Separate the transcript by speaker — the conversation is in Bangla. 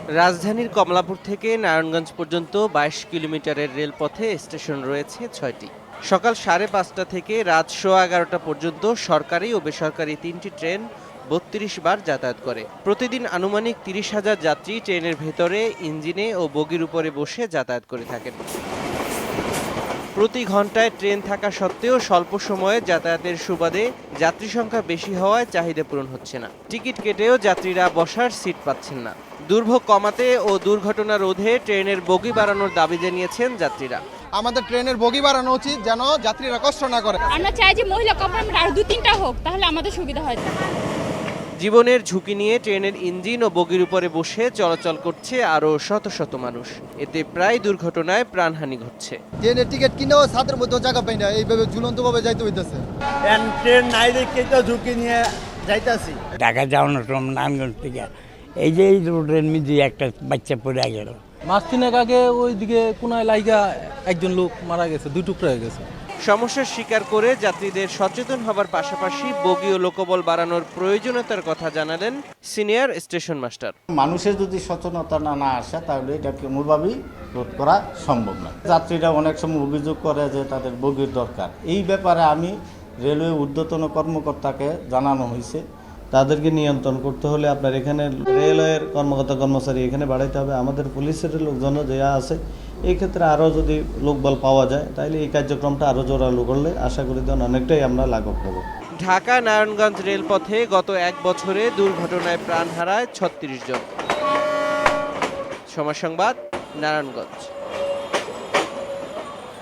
Speaker 1: রাজধানীর কমলাপুর থেকে নারায়ণগঞ্জ পর্যন্ত ২২ কিলোমিটারের রেলপথে স্টেশন রয়েছে ৬টি। সকাল ৫:৩০ থেকে রাত ১১:১১ পর্যন্ত সরকারি ও বেসরকারি ৩টি ট্রেন ৩২ বার যাতায়াত করে। প্রতিদিন আনুমানিক ৩০,০০০ যাত্রী ট্রেনের ভেতরে, ইঞ্জিনে ও বগির উপরে বসে যাতায়াত করে থাকেন। প্রতি ঘন্টায় ট্রেন থাকা সত্ত্বেও স্বল্প সময়ে যাতায়াতের সুবাদে যাত্রী সংখ্যা বেশি হওয়ায় চাহিদা পূরণ হচ্ছে না। টিকিট কেটেও যাত্রীরা বসার সিট পাচ্ছেন না। দুর্ভোগ কমাতে ও দুর্ঘটনা রোধে ট্রেনের বগি বাড়ানোর দাবি জানিয়েছেন যাত্রীরা।
Speaker 2: আমাদের ট্রেনের বগি বাড়ানো উচিত, যেন যাত্রীরা কষ্ট না করে।
Speaker 3: আমরা চাই যে মহিলা কম্পার্টমেন্ট আরো ২-৩টা হোক, তাহলে আমাদের সুবিধা হয়।
Speaker 1: জীবনের ঝুঁকি নিয়ে ট্রেনের ইঞ্জিন ও বগির উপরে বসে চলাচল করছে আরও শত শত মানুষ। এতে প্রায় দুর্ঘটনায় প্রাণহানি ঘটছে।
Speaker 2: ট্রেনের টিকিট কিনেও ছাদের মধ্যে জায়গা পাই না, এইভাবে ঝুলন্তভাবে যাইতে হইতেছে।
Speaker 4: ট্রেন নাই দেখে তো ঝুঁকি নিয়ে যাইতাছি।
Speaker 5: ঢাকা যাওয়ানোর সময় নারায়ণগঞ্জ থেকে এই রোডের মধ্যে একটা বাচ্চা পড়ে গেল।
Speaker 6: মাস তিনেক আগে ওইদিকে কোনায় লাইগা একজন লোক মারা গেছে, 2 টুকরা হয়ে গেছে।
Speaker 1: সমস্যার স্বীকার করে যাত্রীদের সচেতন হবার পাশাপাশি বগি ও লোকবল বাড়ানোর প্রয়োজনীয়তার কথা জানালেন সিনিয়র স্টেশন মাস্টার।
Speaker 4: মানুষের যদি সচেতনতা না আসে তাহলে এটাকে কোনোভাবেই রোধ করা সম্ভব না। যাত্রীরা অনেক সময় অভিযোগ করে যে তাদের বগির দরকার। এই ব্যাপারে আমি রেলওয়ে ঊর্ধ্বতন কর্মকর্তাকে জানানো হয়েছে।
Speaker 7: তাদেরকে নিয়ন্ত্রণ করতে হলে আপনার এখানে রেলওয়ের কর্মকর্তা কর্মচারী এখানে বাড়াইতে হবে, আমাদের পুলিশের লোকজন যা আছে এই ক্ষেত্রে আরও যদি লোকবল পাওয়া যায় তাহলে এই কার্যক্রমটা আরও জোরালো করলে আশা করি অনেকটাই আমরা লাঘব হব।
Speaker 1: ঢাকা নারায়ণগঞ্জ রেলপথে গত ১ বছরে দুর্ঘটনায় প্রাণ হারায় ৩৬ জন। সময় সংবাদ, নারায়ণগঞ্জ।